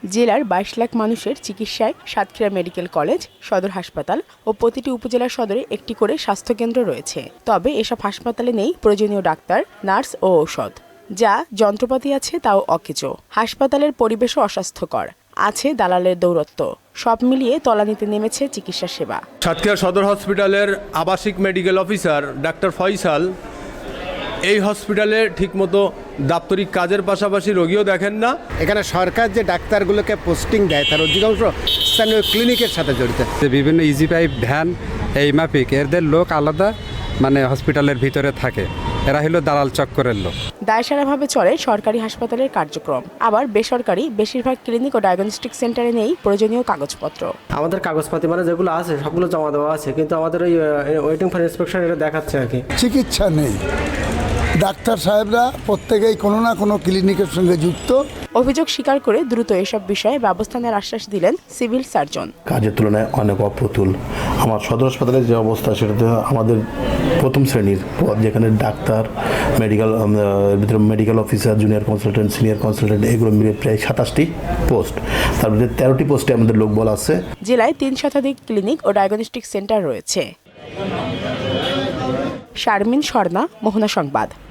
জেলার 22 লাখ মানুষের চিকিৎসায় সাতক্ষীরা মেডিকেল কলেজ, সদর হাসপাতাল ও প্রতিটি উপজেলা সদরে একটি করে স্বাস্থ্যকেন্দ্র রয়েছে। তবে এসব হাসপাতালে নেই প্রয়োজনীয় ডাক্তার, নার্স ও ঔষধ। যা যন্ত্রপাতি আছে তাও অকেজো। হাসপাতালের পরিবেশও অস্বাস্থ্যকর। আছে দালালের দৌরত্ব। সব মিলিয়ে তলানিতে নেমেছে চিকিৎসা সেবা। সাতক্ষীরা সদর হসপিটালের আবাসিক মেডিকেল অফিসার ডাক্তার ফয়সাল এই হসপিটালে ঠিকমতো দাপ্তরিক কাজের পাশাপাশি রোগীও দেখেন না। এখানে সরকার যে ডাক্তারগুলোকে পোস্টিং দেয় তার অধিকাংশ স্থানীয় ক্লিনিকের সাথে জড়িত। বিভিন্ন ইজি পাইপ ভ্যান এই মাফিক এদের লোক আলাদা হসপিটালের ভিতরে থাকে, এরা হলো দালাল চক্করের লোক। দায়সারাভাবে চলে সরকারি হাসপাতালের কার্যক্রম, আবার বেসরকারি বেশিরভাগ ক্লিনিক ও ডায়াগনস্টিক সেন্টারে নেই প্রয়োজনীয় কাগজপত্র। আমাদের কাগজপাতি যেগুলো আছে সবগুলো জমা দেওয়া আছে, কিন্তু আমাদের ওই ওয়েটিং ফর ইন্সপেকশন এটা দেখাচ্ছে আর কি। চিকিৎসা নেই, ডাক্তার সাহেবরা প্রত্যেকেই কোনো না কোনো ক্লিনিকের সঙ্গে যুক্ত। অভিযোগ স্বীকার করে দ্রুত এসব বিষয়ে ব্যবস্থা নেওয়ার আশ্বাস দিলেন সিভিল সার্জন। কাজের তুলনায় অনেক অপ্রতুল। আমার সদর হাসপাতালের যে অবস্থা সেটাতে আমাদের প্রথম শ্রেণীর পদ, যেখানে ডাক্তার, medical officer, junior consultant, senior consultant এগুলো মিলে প্রায় 27টি পোস্ট, তার মধ্যে 13টি পোস্টে আমাদের লোকবল আছে। জেলায় 3 শতাধিক ক্লিনিক ও ডায়াগনস্টিক সেন্টার রয়েছে। শারমিন স্বর্ণা, মোহনা সংবাদ।